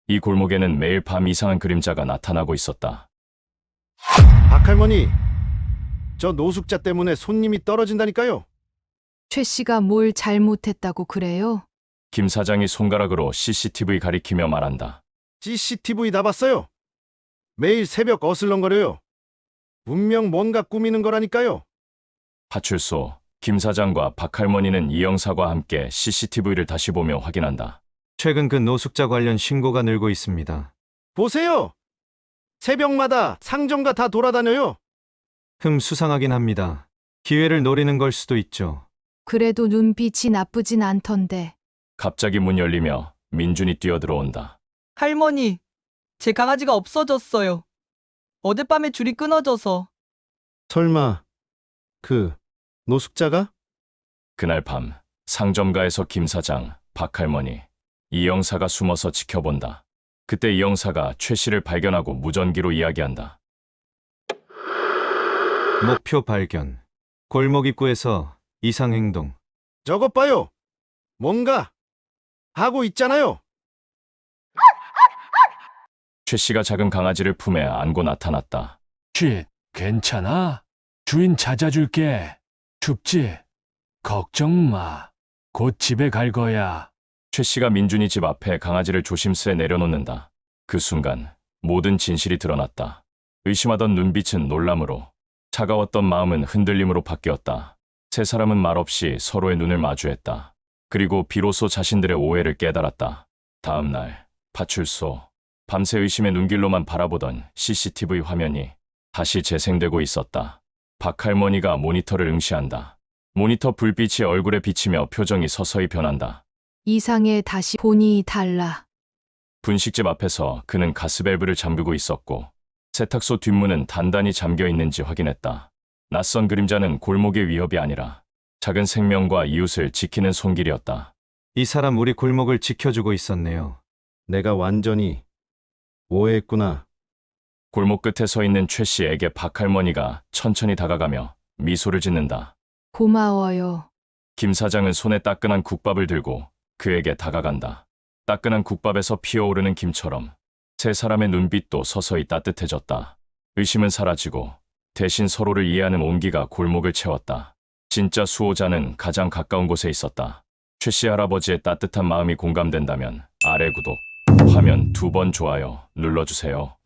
이 골목에는 매일 밤 이상한 그림자가 나타나고 있었다. 박할머니, 저 노숙자 때문에 손님이 떨어진다니까요. 최 씨가 뭘 잘못했다고 그래요? 김 사장이 손가락으로 CCTV 가리키며 말한다. CCTV 다 봤어요. 매일 새벽 어슬렁거려요. 분명 뭔가 꾸미는 거라니까요. 파출소, 김 사장과 박할머니는 이 영사와 함께 CCTV를 다시 보며 확인한다. 최근 그 노숙자 관련 신고가 늘고 있습니다. 보세요. 새벽마다 상점가 다 돌아다녀요. 수상하긴 합니다. 기회를 노리는 걸 수도 있죠. 그래도 눈빛이 나쁘진 않던데. 갑자기 문 열리며 민준이 뛰어들어온다. 할머니, 제 강아지가 없어졌어요. 어젯밤에 줄이 끊어져서. 설마 그 노숙자가? 그날 밤 상점가에서 김 사장, 박할머니, 이 영사가 숨어서 지켜본다. 그때 이 영사가 최 씨를 발견하고 무전기로 이야기한다. 목표 발견. 골목 입구에서 이상 행동. 저것 봐요. 뭔가 하고 있잖아요. 최 씨가 작은 강아지를 품에 안고 나타났다. 쉿, 괜찮아? 주인 찾아줄게. 춥지? 걱정 마. 곧 집에 갈 거야. 최 씨가 민준이 집 앞에 강아지를 조심스레 내려놓는다. 그 순간 모든 진실이 드러났다. 의심하던 눈빛은 놀람으로, 차가웠던 마음은 흔들림으로 바뀌었다. 세 사람은 말없이 서로의 눈을 마주했다. 그리고 비로소 자신들의 오해를 깨달았다. 다음 날 파출소, 밤새 의심의 눈길로만 바라보던 CCTV 화면이 다시 재생되고 있었다. 박할머니가 모니터를 응시한다. 모니터 불빛이 얼굴에 비치며 표정이 서서히 변한다. 이상해 다시 보니 달라. 분식집 앞에서 그는 가스밸브를 잠그고 있었고 세탁소 뒷문은 단단히 잠겨 있는지 확인했다. 낯선 그림자는 골목의 위협이 아니라 작은 생명과 이웃을 지키는 손길이었다. 이 사람 우리 골목을 지켜주고 있었네요. 내가 완전히 오해했구나. 골목 끝에 서 있는 최 씨에게 박할머니가 천천히 다가가며 미소를 짓는다. 고마워요. 김 사장은 손에 따끈한 국밥을 들고 그에게 다가간다. 따끈한 국밥에서 피어오르는 김처럼 세 사람의 눈빛도 서서히 따뜻해졌다. 의심은 사라지고 대신 서로를 이해하는 온기가 골목을 채웠다. 진짜 수호자는 가장 가까운 곳에 있었다. 최 씨 할아버지의 따뜻한 마음이 공감된다면 아래 구독, 화면 2번 좋아요 눌러주세요.